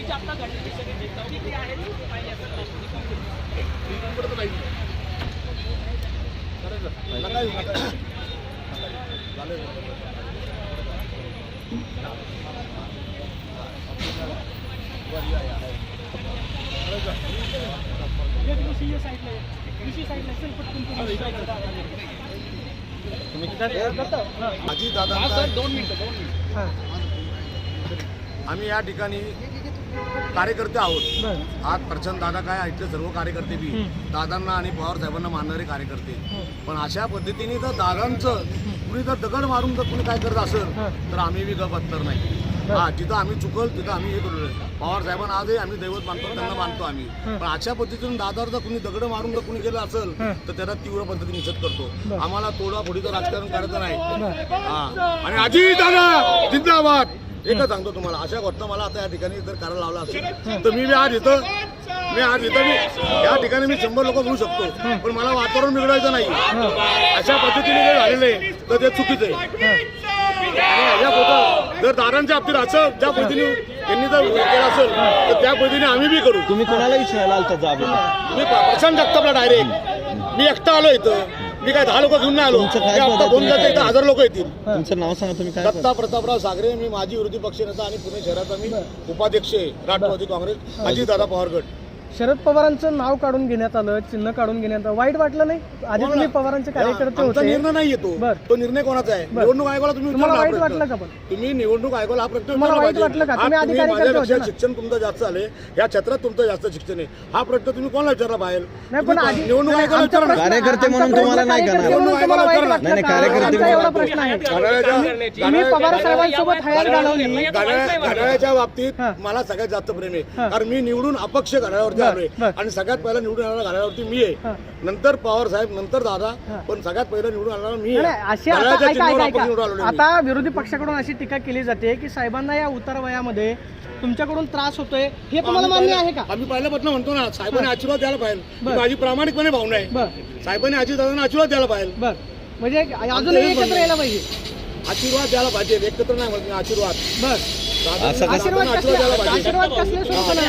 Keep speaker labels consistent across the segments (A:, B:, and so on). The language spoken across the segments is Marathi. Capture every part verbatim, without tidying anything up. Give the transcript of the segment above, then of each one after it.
A: आता घडलेली सगळी देखाव किती आहे पाहिजे असं
B: अजित दादा दोन मिनिटं आम्ही या ठिकाणी कार्यकर्ते आहोत. आज प्रचंड दादा काय इथले सर्व कार्यकर्ते बी दादांना आणि पवार साहेबांना मानणारे कार्यकर्ते. पण अशा पद्धतीने जर दादांचं कुणी जर दगड मारून जर कुणी काय करत असेल तर आम्ही बी गप बसणार नाही. हा जिथं आम्ही चुकल तिथं आम्ही हे करू. पवार साहेबांना आजही आम्ही दैवत मानतो, त्यांना मानतो आम्ही. पण अशा पद्धतीने दादावर जर कुणी दगड मारून जर कुणी गेलं असेल तर त्याला तीव्र पद्धतीने निषेध करतो. आम्हाला तोडाफोडीचं राजकारण करायचं नाही. हा आणि अजित दादा जिंदाबाद एकच सांगतो तुम्हाला, अशा घटना मला आता या ठिकाणी जर करायला लावला असेल तर मी बी आज इथं मी आज इथं मी या ठिकाणी मी शंभर लोक घेऊ शकतो. पण मला वातावरण बिघडायचं नाही. अशा पद्धतीने जर झालेलं आहे तर ते चुकीचं आहे. या होतं जर दारांच्या बाबतीत असं ज्या पद्धतीने यांनी जर केलं असेल तर त्या पद्धतीने आम्ही बी करू.
C: तुम्ही कोणाला विचारायला आलता जाब?
B: मी प्रशांत जगतापला डायरेक्ट मी एकटा आलो इथं. मी काय दहा लोक घेऊन नाही आलो. दोन इथं हजार लोक येतील.
C: तुमचं नाव सांगा तुम्ही काय?
B: दत्ता प्रतापराव सागरे, मी माजी विरोधी पक्षनेता आणि पुणे शहराचा मी उपाध्यक्ष आहे राष्ट्रवादी काँग्रेस अजितदादा पवार गट.
D: शरद पवारांचं नाव काढून घेण्यात आलं, चिन्ह काढून घेण्यात आलं, वाईट वाटलं नाही? आधी तुम्ही पवारांचे कार्यकर्ते होते.
B: निर्णय नाही येतो तो निर्णय कोणाचा आहे? निवडणूक आयोगाला तुम्ही
D: तुम्हाला वाईट वाटलं का? पण
B: तुम्ही निवडणूक आयोगाला हा प्रश्न
D: तुम्हाला वाईट वाटलं का? तुम्ही अधिकारी
B: माझ्यापेक्षा शिक्षण तुमचं जास्त झाले, या क्षेत्रात तुमचं जास्त शिक्षण आहे, हा प्रश्न तुम्ही कोणाला विचारला बाहेर?
D: नाही पण आधी
B: निवडणूक आयोगाला विचारा.
C: कार्यकर्ते म्हणून तुम्हाला नाही करणार.
B: निवडणूक आयोगाला विचारा.
C: नाही नाही कार्यकर्ते
D: एवढा प्रश्न आहे. तुम्ही पवार साहेबांसोबत हयात घालवली.
B: घड्याळाच्या बाबतीत मला सगळ्यात जास्त प्रेम आहे. कारण मी निवडून अपक्ष घड्याळावरती आलोय आणि सगळ्यात पहिला निवडून आलेला घड्याळावरती मी आहे. नंतर पवार साहेब, नंतर दादा, पण सगळ्यात पहिला निवडून आलेला मी आहे.
D: आता विरोधी पक्षाकडून अशी टीका केली जाते की साहेबांना या उतार वयामध्ये तुमच्याकडून त्रास होतोय, हे तुम्हाला मान्य आहे का?
B: आम्ही पहिल्यापासून म्हणतो ना, साहेबांनी आशीर्वाद द्यायला पाहिजे. माझी प्रामाणिकपणे भावना आहे. साहेबांनी अजित दादांना आशीर्वाद द्यायला पाहिजे.
D: बर म्हणजे अजूनही एकत्र यायला पाहिजे.
B: आशीर्वाद द्यायला पाहिजे, एकत्र नाही म्हणत आशीर्वाद.
D: बर आशीर्वाद आशीर्वाद कसले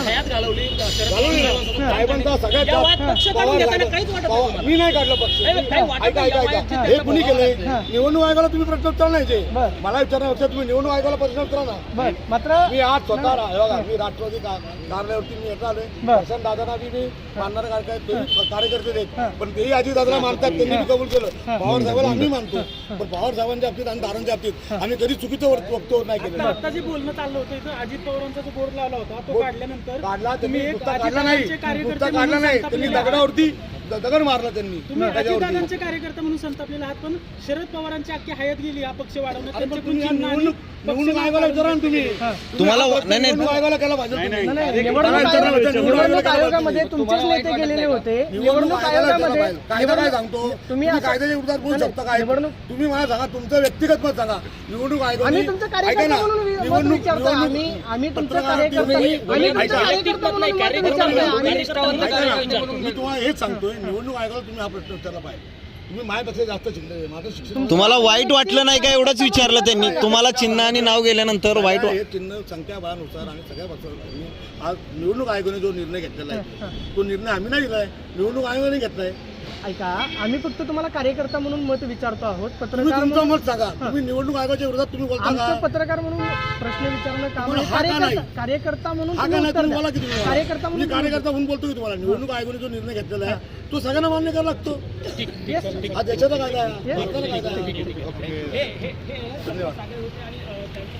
B: साहेबांचा सगळ्यात मी नाही काढलं पक्ष. ऐका ऐका ऐका हे कुणी केलंय? निवडणूक आयोगाला तुम्ही प्रश्न उत्तर नाही. मला विचारण्यापेक्षा तुम्ही निवडणूक आयोगाला प्रश्न उत्तरा ना.
D: मात्र
B: मी आज स्वतः मी राष्ट्रवादी कार्यालयावरती मी येत आलोय. प्रशांत दादांना बी मी मानणारे कार्यकर्ते आहेत, पण तेही अजित दादाला मानतात, त्यांनी मी कबूल केलं. पवार साहेबांना आम्ही मानतो, पण पवार साहेबांच्या बाबतीत आणि दादांच्या बाबतीत आम्ही कधी चुकीचं वक्तव्य नाही केलं.
A: आता जे बोलणं चाललं होतं इथं अजित पवारांचा जो बोर्ड लावला होता तो काढल्यानंतर
B: काढला तुम्ही काढला नाही काढला नाही त्यांनी दगडावरती दगड मारला. त्यांनी
A: तुम्ही अजितदादांचे कार्यकर्ते म्हणून संतापलेले आहात, पण शरद पवारांची अख्खी हयात गेली हा पक्ष वाढवण्यात.
B: निवडणूक निवडणूक आयोगाला विचारा ना तुम्ही.
C: तुम्हाला नाही नाही
B: निवडणूक आयोगाला केला पाहिजे.
D: निवडणूक आयोगामध्ये तुमचेच नेते गेलेले होते. निवडणूक आयोगामध्ये
B: कायदा काय सांगतो?
D: तुम्ही
B: कायद्याच्या विरोधात बोलू शकता काय? तुम्ही मला सांगा, तुमचं व्यक्तिगत मत सांगा. निवडणूक आयोग
D: आम्ही तुमचं कार्यकर्ता म्हणून मत विचारतो. आम्ही आम्ही तुमचं कार्यकर्ता आम्ही तुमचं कार्यकर्ता म्हणून मत विचारतोय.
B: मी तुम्हाला हेच सांगतोय, निवडणूक आयोगाला तुम्ही हा प्रश्न विचारला पाहिजे. तुम्ही माझ्यापेक्षा जास्त शिकले. माझं शिक्षण
C: तुम्हाला वाईट वाटलं नाही का? एवढंच विचारलं त्यांनी तुम्हाला. चिन्ह आणि नाव गेल्यानंतर वाईट
B: हे चिन्ह संख्याबळानुसार आणि सगळ्या पक्षानुसार आज निवडणूक आयोगाने जो निर्णय घेतलेला आहे तो निर्णय आम्ही नाही दिलाय, निवडणूक आयोगाने घेतलाय.
D: ऐका, आम्ही फक्त तुम्हाला कार्यकर्ता म्हणून मत विचारतो आहोत.
B: तुम्ही
D: पत्रकार
B: तुमचं मत सांगा. तुम्ही निवडणूक आयोगाच्या विरोधात तुम्ही बोलता
D: आमचं
B: का?
D: पत्रकार म्हणून प्रश्न विचारणं काम आहे.
B: हा का नाही?
D: कार्यकर्ता कार्यकर्ता म्हणून
B: हा का
D: तुम्ही
B: नाही?
D: उत्तर
B: तुम्ही
D: द्या.
B: बोला की तुम्ही
D: कार्यकर्ता
B: मी
D: म्हणून
B: कार्यकर्ता म्हणून बोलतो की तुम्हाला निवडणूक आयोगाने जो निर्णय घेतलेला आहे तो सगळ्यांना मान्य करावा लागतो.
D: Yes.
B: हा देशाचा कायदा आहे, भारताचा कायदा आहे.
A: हे हे हे धन्यवाद.